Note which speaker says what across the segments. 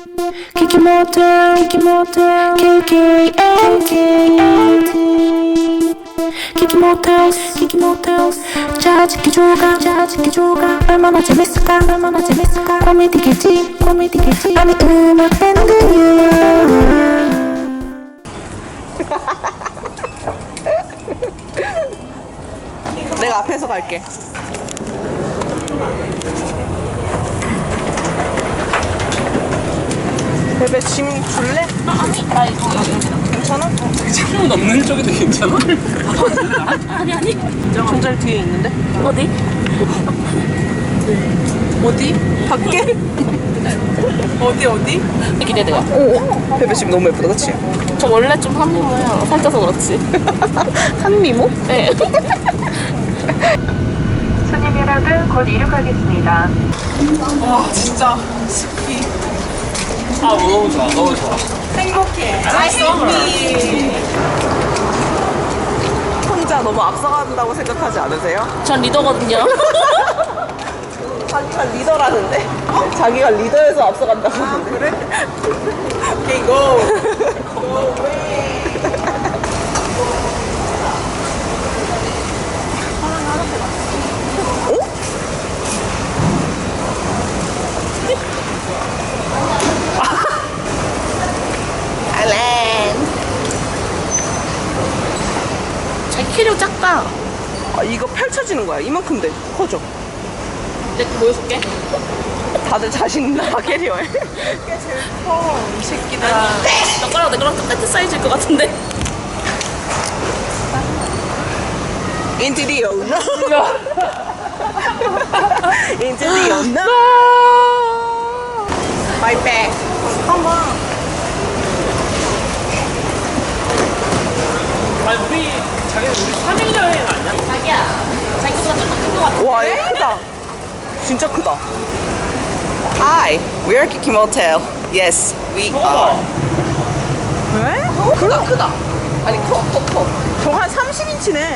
Speaker 1: 키키 모텔 KKMKLT 키키 모텔 짜증기 조각 얼마나 재밌을까 코미디겠지 아니 음악 밴드야
Speaker 2: 내가 앞에서 갈게. 베베 짐 줄래?
Speaker 3: 아니 나 이거
Speaker 2: 괜찮아?
Speaker 4: 창문 없는 쪽에도 괜찮아?
Speaker 3: 아니
Speaker 2: 전잘 뒤에 있는데?
Speaker 3: 어디?
Speaker 2: 어디? 밖에? 어디?
Speaker 3: 기대돼요.
Speaker 2: 베베 짐 너무 예쁘다, 그치?
Speaker 3: 저 원래 좀 한미모야. 살쪄서 그렇지.
Speaker 2: 한미모?
Speaker 3: 네.
Speaker 5: 손님 여러분 곧 이륙하겠습니다.
Speaker 2: 와, 진짜 습기.
Speaker 4: 아 너무 좋아.
Speaker 2: 행복해. 혼자 너무 앞서간다고 생각하지 않으세요?
Speaker 3: 전 리더거든요.
Speaker 2: 자기가 리더라는데? 자기가 리더에서 앞서간다고 하는데? 그래? 오케이, 고!
Speaker 3: 자기 키력 작다.
Speaker 2: 아, 이거 펼쳐지는 거야. 이만큼 돼. 커져.
Speaker 3: 내가 보여줄게.
Speaker 2: 다들 자신 있나 봐, 캐리어에. 이게 제일 커, 이 새끼들아.
Speaker 3: 너 거랑 내 거랑 똑같은 사이즈일 것 같은데.
Speaker 2: Into the unknown. Into the unknown. My bag. Come on.
Speaker 4: 아니 우리 자기 우리 3일 여행 아니야?
Speaker 3: 자기야. 자기 거보다 조금 큰것 같아.
Speaker 2: 와, 얘 크다. 진짜 크다. Hi, we are Kiki Motel. Yes, we are. 왜? 크다, 크다. 아니, 커. 저거 한 30인치네.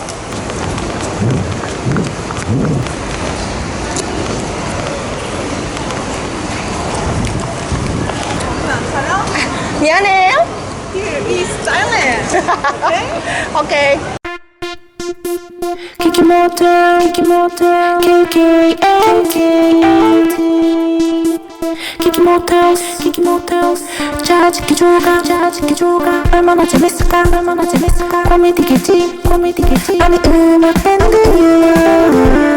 Speaker 2: 미안해요. Here is silent. Okay? Okay.
Speaker 1: 키키 모텔 KKMKLT 키키 모텔 짜증기 조각 얼마나 재밌을까 코미디겠지 아니 음악 밴드야